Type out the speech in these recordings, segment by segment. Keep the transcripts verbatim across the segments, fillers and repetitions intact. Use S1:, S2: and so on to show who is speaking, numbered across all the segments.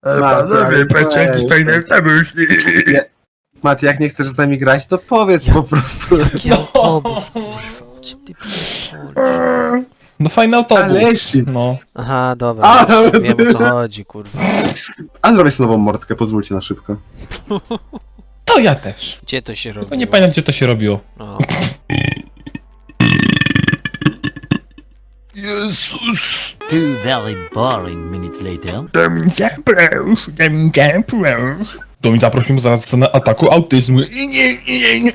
S1: Panowie, patrzcie jaki fajny pomysł.
S2: Mati, jak nie chcesz z nami grać, to powiedz
S3: Ja-
S2: po prostu.
S3: Jaki autobus, kurwa. O czym ty pierdolisz?
S4: No fajny autobus.
S2: Alesic.
S4: No.
S3: Aha, dobra.
S2: A,
S3: Wiem o co chodzi, kurwa.
S2: A zrobię sobie nową mordkę, pozwólcie na szybko.
S4: To ja też.
S3: Gdzie to się robi?
S4: Tylko nie pamiętam gdzie to się robiło.
S3: O,
S1: Jezus.
S5: Two very boring minutes later.
S1: To mi zaprosz, to mi zaprosz.
S4: To mi zaprosił zaraz scenę ataku autyzmu.
S1: I nie, nie, nie.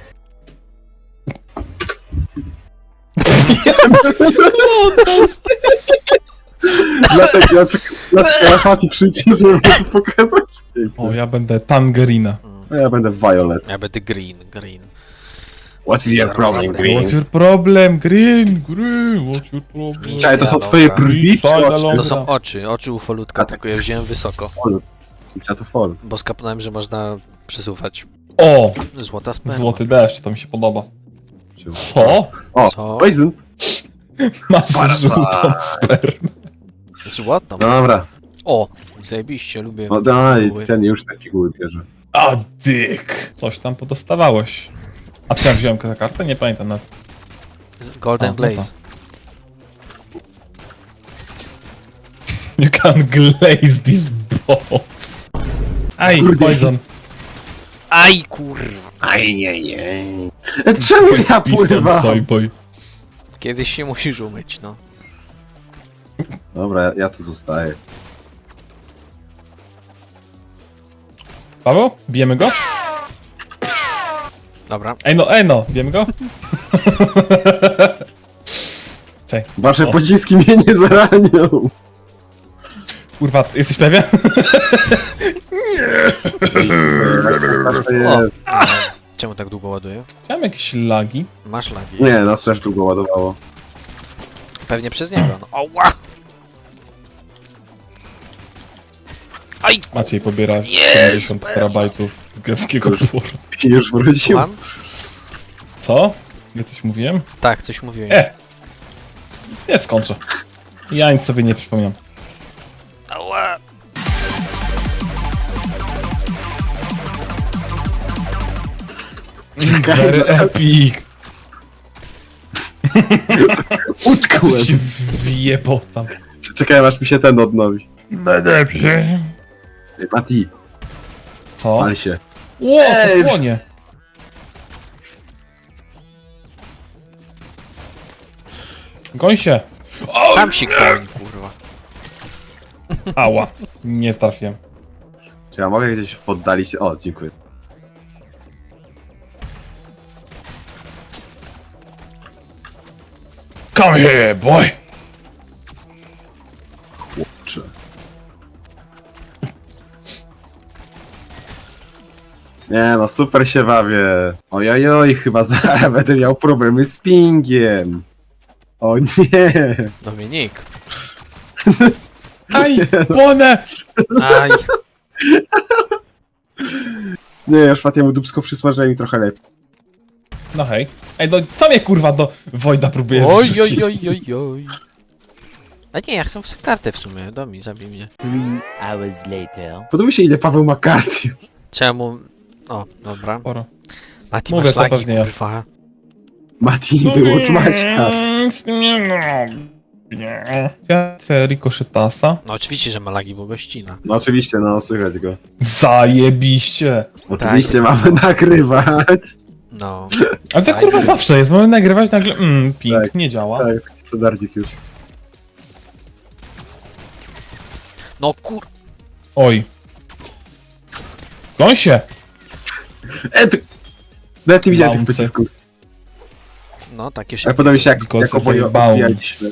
S2: Dlatego, dlatego, dlatego ja Mati przyjdzie, żeby to pokazać.
S4: O, ja będę Tangerina.
S2: A ja będę Violet.
S3: ja będę green, green.
S2: What's your problem,
S4: What's your problem? Green, green, what's your problem?
S2: Czekaj, to są twoje brwi? czy
S4: Fajna
S2: oczy?
S4: ląda.
S3: To są oczy, oczy ufolutka,
S2: A tak.
S3: tylko ja wziąłem wysoko.
S2: Ja to fall.
S3: Bo skapnąłem, że można przesuwać.
S4: O,
S3: Złota sperma.
S4: złoty deszcz, to mi się podoba. Co?
S2: O,
S3: Co?
S2: poison.
S4: Masz
S2: Parasite.
S4: żółtą spermę.
S3: Złotą?
S2: Dobra,
S3: O, zajebiście, lubię.
S2: no daj,
S3: Były.
S2: ten już taki góry bierze.
S4: A dyk. Coś tam podostawałeś. A co ja wziąłem tę kartę? Nie pamiętam nawet.
S3: Golden
S4: O, no
S3: Blaze.
S4: You can glaze these balls. Aj,
S2: Kurde.
S4: poison.
S3: Aj, kurwa.
S2: Aj, nie, nie. Czemu ja
S4: Piston
S2: pływam?
S4: soyboy.
S3: Kiedyś się musisz umyć, no.
S2: Dobra, ja, ja tu zostaję.
S4: Paweł? Bijemy go?
S3: Dobra.
S4: Ej no, ej no, bijemy go? Czekaj,
S2: Wasze
S4: O.
S2: pociski mnie nie zaranią.
S4: kurwa, jesteś pewien?
S2: To jest.
S3: Czemu tak długo ładuje?
S4: Chciałem jakieś lagi.
S3: Masz lagi.
S2: Nie, nas też długo ładowało.
S3: Pewnie przez niego, no. Ała! Aj!
S4: Maciej pobiera
S3: Jest,
S4: siedemdziesiąt
S3: pewnie.
S4: terabajtów greckiego
S2: Już.
S4: tworu.
S2: I już wrócił.
S3: Mam?
S4: Co? Ja coś mówiłem?
S3: Tak, coś mówiłeś.
S4: E! Nie skończę. Ja nic sobie nie przypominam.
S3: Ała!
S4: Very epic!
S2: Utkłem.
S4: Się wjebał tam.
S2: Czekaj, aż mi się ten odnowi.
S1: No dobrze.
S2: Ej, Mati,
S4: Co?
S2: pal się.
S4: Ło,
S2: Ej!
S4: to płonie! Goń się!
S3: Sam się goń, kurwa.
S4: Ała, nie trafiłem.
S2: Czy ja mogę gdzieś w oddali się... O, dziękuję.
S4: Come here, boy!
S2: Chłopcze. Nie no, super się bawię. Ojojoj, chyba zaraz będę miał problemy z pingiem. O nie.
S3: Dominik.
S4: Aj, płonę!
S3: Aj.
S2: Nie, już Matiemu dupsko przysmażyli trochę lepiej.
S4: No hej. Ej, no co mnie kurwa do Wojda próbuje
S3: Oj,
S4: wrzucić?
S3: oj, oj, oj, oj. A nie, ja chcę w kartę w sumie. Domi, zabij mnie.
S5: Three hours later.
S2: Podoba mi się, ile Paweł ma kart.
S3: Czemu... O, dobra.
S4: Sporo.
S3: Mati,
S4: Mówię,
S3: masz
S4: to
S3: lagi,
S4: pewnie ja.
S3: kurwa.
S2: Mati,
S4: No
S2: wyłącz Maćka.
S4: Nic nie robię. Ja chcę rikoszetasa.
S3: No oczywiście, że ma lagi, bo gościna.
S2: No oczywiście, no słychać go.
S4: Zajebiście!
S2: Oczywiście mamy nagrywać.
S3: No.
S4: Ale to
S3: Aj,
S4: kurwa
S3: oj.
S4: zawsze jest, mamy nagrywać nagle, mm, ping,
S2: Tak,
S4: nie działa.
S2: Tak, standardzik już.
S3: No kur...
S4: Oj. Goń się!
S2: E, ty... Nawet nie widziałem tych
S4: Bounce.
S2: pocisków.
S3: No, takie
S2: Ale
S3: szybkie.
S2: podoba mi się, jak,
S4: Because
S2: jak oboje
S4: they bounce.
S2: odbijaliśmy.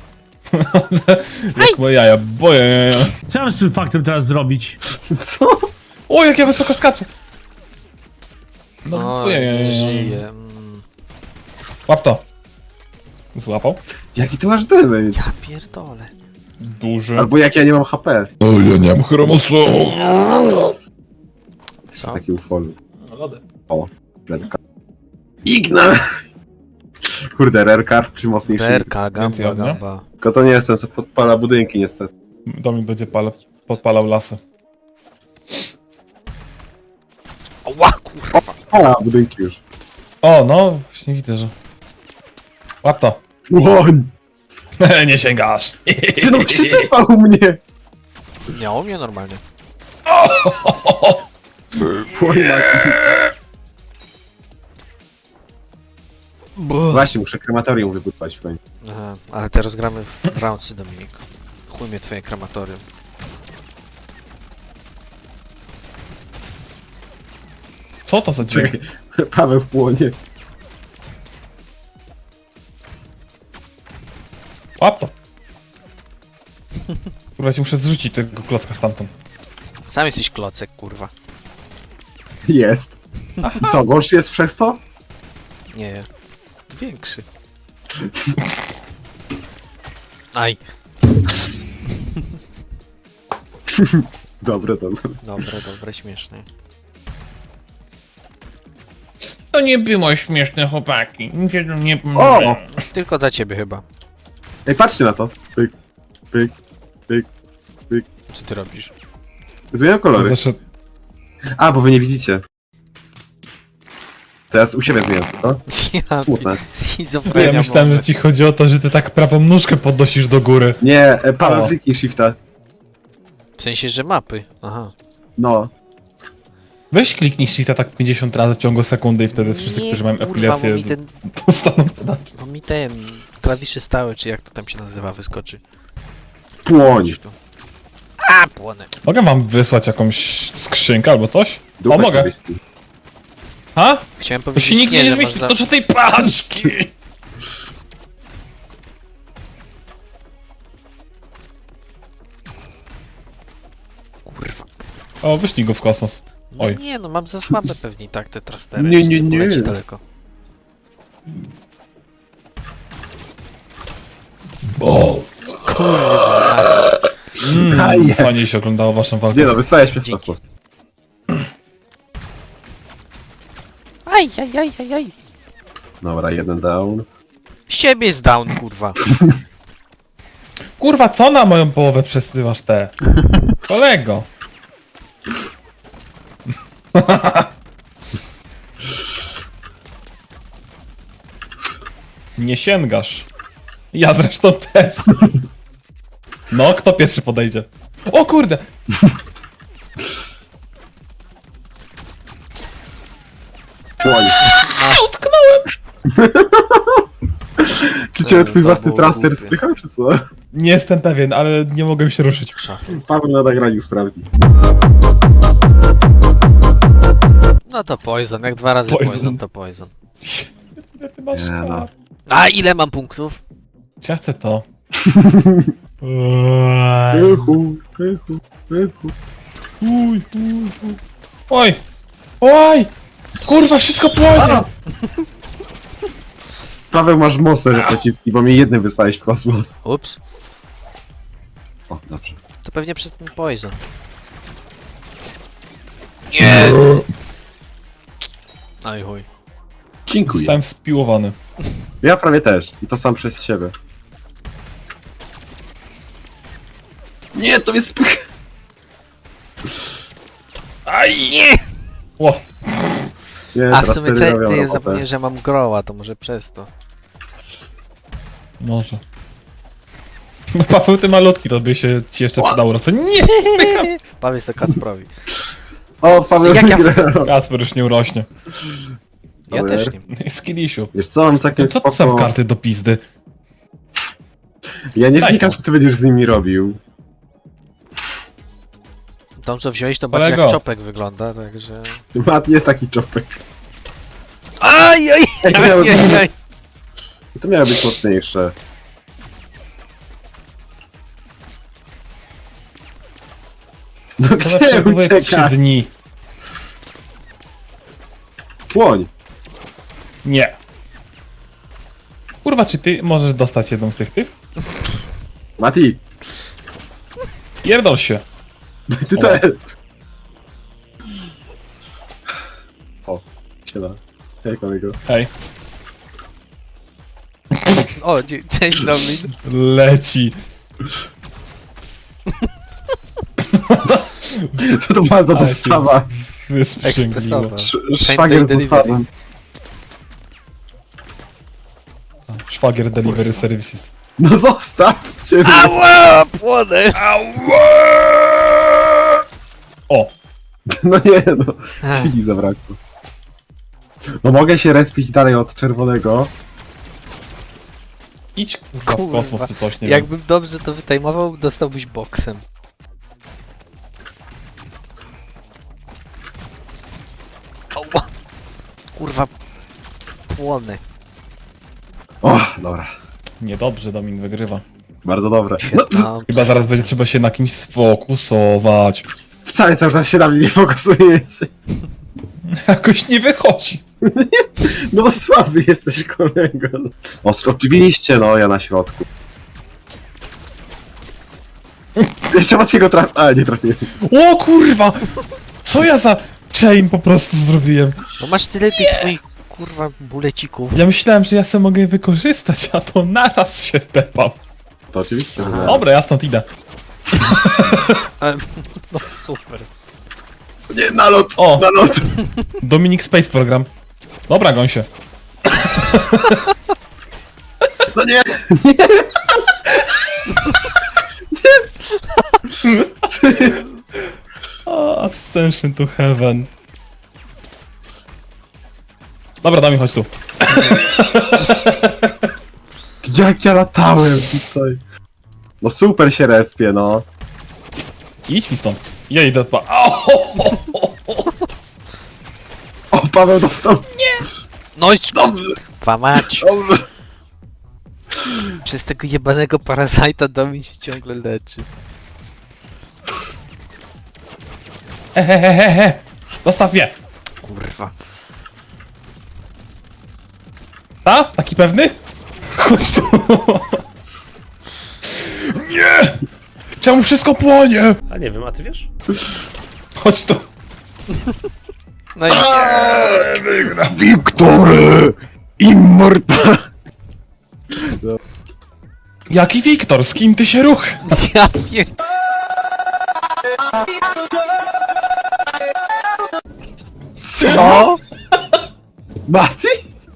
S4: Jak moje jaja, boję.
S6: Co mam z tym faktem teraz zrobić?
S2: Co?
S4: O, jak ja wysoko skaczę! No,
S3: No,
S4: boję.
S3: nie żyje. Mm.
S4: Łap to. Złapał?
S2: Jaki ty masz damage?
S3: Ja pierdolę.
S4: Duży.
S2: Albo jak ja nie mam H P.
S4: O, ja nie mam chromosomu.
S3: Co?
S2: Taki ufol.
S4: Lody.
S2: O, rerka. Igna! Kurde, rerka czy mocniejszy?
S3: Berka,
S4: Więcej
S3: gamba,
S4: ognia?
S3: gamba.
S2: Tylko to nie jest ten, co podpala budynki niestety.
S4: Domin będzie palec. podpalał lasy.
S3: Ła, kurwa.
S2: A, budynki już.
S4: O, no, właśnie widzę, że... Łap to.
S2: Płoń!
S4: Nie sięgasz.
S2: Ty no się typał mnie!
S3: Miało mnie normalnie.
S2: Płoń, Mati. Właśnie, muszę krematorium wybudować w końcu.
S3: Aha, ale teraz gramy w, w roundsy, Dominik. Chuj mnie twoje krematorium.
S4: Co to za dźwięk?
S2: Czekaj, Paweł w płonie.
S4: Łap to. Kurwa, ci muszę zrzucić tego klocka stamtąd.
S3: Sam jesteś klocek, kurwa.
S2: Jest. I co, gorszy jest przez to?
S3: Nie. Większy. Aj.
S2: Dobre, dobre.
S3: Dobre, dobre, śmieszne.
S4: To nie było śmieszne, chłopaki. Mi się to nie
S2: O!
S3: Tylko dla ciebie chyba.
S2: Ej, patrzcie na to. Pyk, pyk, pyk.
S3: Co ty robisz?
S2: Zmieniam kolory.
S4: Zaszedł.
S2: A, bo wy nie widzicie. Teraz u siebie zmieniam to.
S3: Ja
S2: Smutne.
S4: Ja
S3: schizofrenia
S4: myślałem,
S3: może.
S4: że ci chodzi o to, że ty tak prawą nóżkę podnosisz do góry.
S2: Nie, e, Paweł
S4: O.
S2: kliknij shifta.
S3: W sensie, że mapy. Aha.
S2: No.
S4: Weź kliknij shifta tak pięćdziesiąt razy w ciągu sekundy i wtedy wszyscy,
S3: Nie,
S4: którzy mają
S3: kurwa,
S4: epilację,
S3: bo mi ten,
S4: dostaną podatek.
S3: bo mi ten klawisze stałe, czy jak to tam się nazywa, wyskoczy.
S2: Płoń.
S3: Tu. A, płonę.
S4: Mogę wam wysłać jakąś skrzynkę albo coś?
S2: Dupę
S4: O, mogę.
S2: sobie ściągnij.
S4: Ha?
S3: Chciałem
S4: To
S3: powiedzieć
S4: się nigdzie
S3: nie,
S4: nie
S3: że masz
S4: zmieści
S3: za...
S4: do żadnej paczki!
S3: Kurwa.
S4: O, wyślij go w kosmos.
S3: No
S4: Oj.
S3: nie, no mam za słabe pewnie tak te trastery.
S2: Nie, nie, nie.
S3: Leci daleko. Kurwa.
S4: Mm,
S2: Aje.
S4: fajnie się oglądało waszą walkę.
S2: Nie no, wysłałeś mnie w
S3: Dzięki.
S2: kosmos.
S3: Aj, aj, aj, aj, aj.
S2: Dobra, jeden down.
S3: Z ciebie jest down, kurwa.
S4: Kurwa, co na moją połowę przesyłasz te? Kolego! Nie sięgasz. Ja zresztą też. No, kto pierwszy podejdzie? O kurde!
S2: Płoń.
S4: A, utknąłem!
S2: Czy cię
S3: To-
S2: twój
S3: to
S2: własny
S3: było
S2: traster
S3: głupie.
S2: spychał, czy co?
S4: Nie jestem pewien, ale nie mogłem się ruszyć.
S2: Paweł na nagraniu sprawdzi.
S3: No to poison, jak dwa razy
S4: Poison.
S3: poison, to poison.
S4: Ile ty masz
S2: Nie no.
S4: kart?
S3: A ile mam punktów?
S4: Czy ja chcę to?
S2: Pychu, pychu, pychu.
S4: Uj, uj, uj. Oj! Oj! Kurwa, wszystko płonie!
S2: Paweł, masz mocne pociski, bo mnie jednym wysłałeś w kosmos.
S3: Ups.
S2: O, dobrze.
S3: To pewnie przez ten poison. Nie! Aj chuj.
S2: Dziękuję.
S4: Zostałem spiłowany.
S2: Ja prawie też. I to sam przez siebie. Nie, to jest pych.
S3: Aj! Nie!
S2: Nie,
S4: Ło!
S3: A w
S2: teraz
S3: sumie
S2: wtedy
S3: co,
S2: robią
S3: ty
S2: robotę.
S3: zapomniałem, że mam groła, to może przez to.
S4: Może. No Paweł, ty malutki, to by się ci jeszcze przydało rosnąć. Nie! Spycham!
S3: Powiedz to Kacprowi.
S2: O, Paweł
S3: Jak ja-
S2: wygrał.
S4: Kacper już nie urośnie.
S3: Ja
S2: Dobra.
S3: też nie.
S4: Skillisiu.
S2: Wiesz co, mam całkiem
S4: Co to
S2: spoko...
S4: są karty do pizdy?
S2: Ja nie
S4: Daj
S2: wnikam,
S4: to.
S2: co ty będziesz z nimi robił.
S3: Tą co wziąłeś to bardziej jak
S4: Kolego.
S3: czopek wygląda, także...
S2: Mat, jest taki czopek.
S3: Aj, aj,
S2: Ej, to
S3: aj,
S2: miało
S3: aj,
S2: być,
S3: aj.
S2: to miało być mocniejsze. No
S4: To
S2: gdzie
S4: zawsze były trzy
S2: uciekasz?
S4: dni.
S2: Płoń.
S4: Nie. Kurwa, czy ty możesz dostać jedną z tych tych?
S2: Mati,
S4: Pierdol się.
S2: ty
S4: O.
S2: też. O, siema. Hej, kolego.
S4: Hej.
S3: O, dzie- cześć Domin.
S4: Leci.
S2: Co to była za
S4: Ale
S2: dostawa?
S4: Wysprzęgliło.
S3: Ekspresowa.
S2: Sz-
S3: Same
S2: Szwagier
S3: day
S2: z
S3: delivery.
S2: dostawą.
S4: Szwagier Delivery Services.
S2: No zostaw cię.
S3: Ała! Płonę!
S4: O!
S2: No nie no,
S3: Ech.
S2: chwili zabrakło. No mogę się respić dalej od czerwonego.
S4: Idź kurwa, w
S3: Kurwa.
S4: kosmos czy coś, nie wiem.
S3: Jakbym dobrze to wytajmował, dostałbyś boksem. Ała! Kurwa. Płonę.
S2: O, dobra.
S4: Niedobrze, Domin wygrywa.
S2: Bardzo dobre. No, z-
S3: Świetna.
S4: Chyba zaraz będzie trzeba się na kimś sfokusować.
S2: wcale cały czas się na mnie nie fokusujecie.
S4: Jakoś nie wychodzi.
S2: No bo słaby jesteś, kolego. O, oczywiście, no, ja na środku. Jeszcze Maciego traf... A, nie trafiłem.
S4: O kurwa! Co ja za chain po prostu zrobiłem?
S3: No masz tyle tych swoich kurwa bulecików.
S4: Ja myślałem, że ja sobie mogę je wykorzystać, a to naraz się tepam.
S2: To oczywiście.
S3: Aha.
S2: że-
S4: Dobra, ja stąd idę.
S3: No super.
S2: Nie, nalot,
S4: O.
S2: nalot.
S4: Dominik Space Program. Dobra, goń się.
S2: No nie,
S4: O, Ascension to Heaven. Dobra, Domin, chodź tu.
S2: jak ja latałem tutaj. No super się respię, no.
S4: Idź mi stąd. Ja idę pa. O,
S2: O, Paweł dostał.
S3: No i
S2: Dobrze,
S3: kurwa mać.
S2: dobrze.
S3: Przez tego jebanego parazajta Domin się ciągle leczy.
S4: Hehehehe. Zostaw mnie.
S3: Kurwa.
S4: Ta? Taki pewny? Chodź tu. Nie! Czemu wszystko płonie?
S7: A nie wiem, a ty wiesz?
S4: Chodź tu.
S3: No i
S2: Wiktory! Immortal!
S4: Jaki Wiktor? Z kim ty się ruch?
S3: ja pier...
S2: Co? Mati?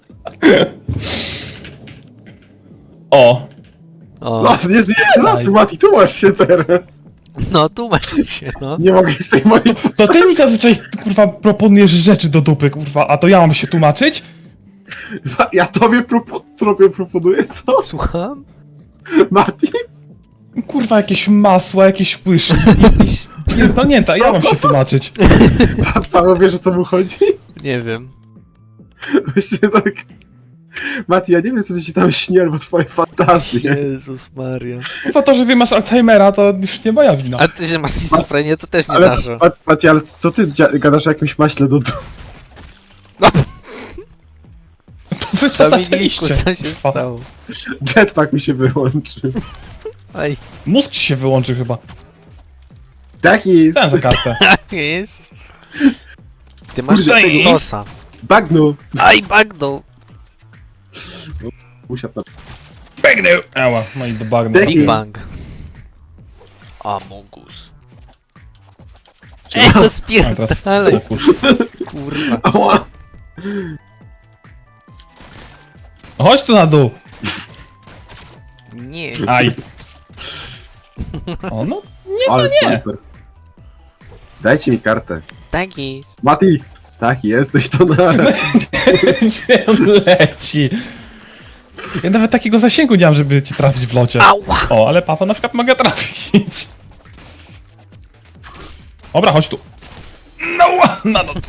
S4: O.
S3: O,
S2: No, nie zmieniaj tematu, Mati, tu masz się teraz.
S3: no tu masz się, no.
S2: Nie mogę z tej mojej...
S4: To ty mi zazwyczaj, kurwa, proponujesz rzeczy do dupy, kurwa, a to ja mam się tłumaczyć?
S2: Ja tobie, propo... tobie proponuję, co?
S3: Słucham?
S2: Mati?
S4: Kurwa, jakieś masła, jakieś łyżki, jakieś... Pierdolnięta, ja mam się tłumaczyć.
S2: Pa Paweł wiesz, o co mu chodzi?
S3: Nie wiem.
S2: Właśnie tak... Mati, ja nie wiem, co ci się tam śni, albo twoje fantazje.
S3: Jezus Maria.
S4: Kurwa, to, że ty masz Alzheimera, to już nie moja wina.
S3: A ty, że masz schizofrenię, to też nie
S2: Ale,
S3: nasza.
S2: Mat- Mati, ale co ty dzia- gadasz o jakimś maśle do...
S3: No,
S4: To wy to
S3: Dominiku,
S4: zaczęliście.
S3: co się
S4: Kurwa.
S3: stało?
S2: Jetpack mi się wyłączy.
S3: Ej,
S4: Mózg ci się wyłączy chyba.
S2: Taki...
S4: Co za kartę?
S3: jest. Ty masz
S2: Kurde,
S3: tego
S4: ej.
S3: nosa.
S2: Bagnu!
S3: Aj, bagno.
S2: Usiadł na...
S4: Biegnę! Ała, no i do bagna.
S2: Big
S3: Big Bang. Amogus. Ej, to
S4: A teraz
S3: spierdalaj,
S4: fokus.
S3: kurwa.
S2: Ała!
S4: Chodź tu na dół!
S3: Nie.
S4: Aj. O, no.
S2: Ale sniper. Dajcie mi kartę.
S3: Tak jest.
S2: Mati! Taki jesteś, to na...
S4: Gdzie on leci? Ja nawet takiego zasięgu nie mam, żeby cię trafić w locie.
S3: Ała.
S4: O, ale Paweł na przykład mogę trafić. Dobra, chodź tu. No, na not.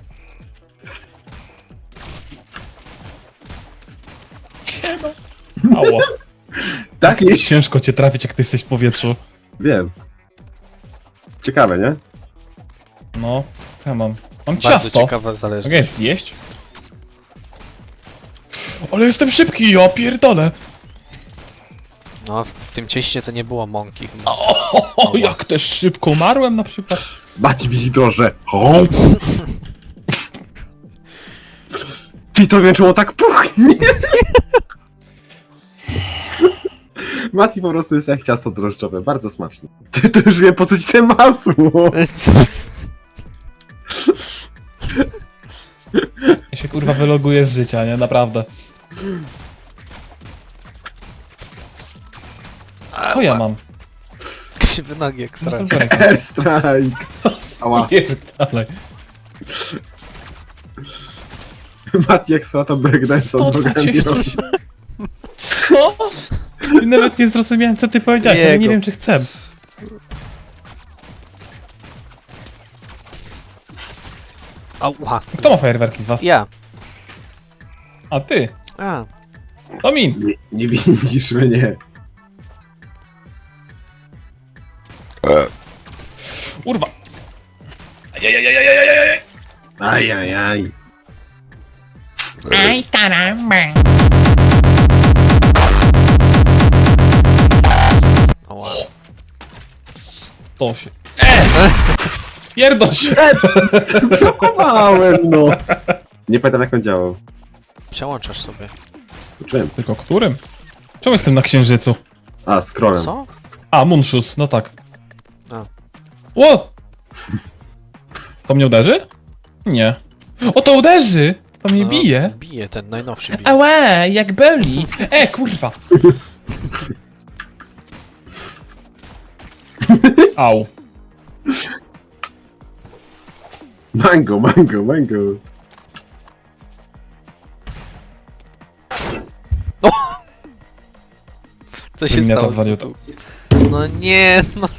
S4: Siema. Ała.
S2: Taki?
S4: Ciężko cię trafić, jak ty jesteś w powietrzu.
S2: Wiem. Ciekawe, nie?
S4: No, co ja mam? Mam
S3: Bardzo
S4: ciasto.
S3: ciekawa
S4: Mogę
S3: zależność.
S4: je zjeść? Ale jestem szybki, ja pierdolę.
S3: No, w tym cieście to nie było mąki.
S4: O, jak też szybko umarłem na przykład.
S2: Mati widzi drożdże. O! Ty to wiem, czemu tak puchnie. Mati po prostu jest jak ciasto drożdżowe, bardzo smaczne. Ty to już wiem po co ci te masło!
S4: Ja się kurwa wyloguję z życia, nie? Naprawdę. Co ja mam?
S3: Krzywy nogi jak sra.
S2: Airstrike! Ała.
S4: Pierdalej.
S2: Mati jak słata breakdance od
S4: sto dwadzieścia
S2: nogami.
S4: osiem. Co? I nawet nie zrozumiałem, co ty powiedziałeś, ale nie
S3: Jego.
S4: wiem, czy chcę.
S3: Ała.
S4: Kto ma fajerwerki z was?
S3: Ja.
S4: A ty.
S3: A.
S4: Domin.
S2: Nie, nie widzisz mnie.
S4: Urwa. Ajajajajajajajaj.
S2: Ajajaj.
S1: Aj, caramba.
S3: Ała.
S4: To się. E! Pierdol się.
S2: Blokowałem, no! Nie pamiętam jak on działał.
S3: Przełączasz sobie.
S2: Uczyłem.
S4: Tylko którym? Czemu jestem na księżycu?
S2: A, scrollem.
S3: Co?
S4: A, Munshus, no tak.
S3: A.
S4: Ło! To mnie uderzy? Nie. O, to uderzy! To mnie
S3: No,
S4: bije.
S3: Bije, ten najnowszy bije.
S4: Ała, jak boli. E, kurwa. Au.
S2: Mango, mango, mango.
S3: Co się
S4: Mnie
S3: stało?
S4: to walił to.
S3: No nie, no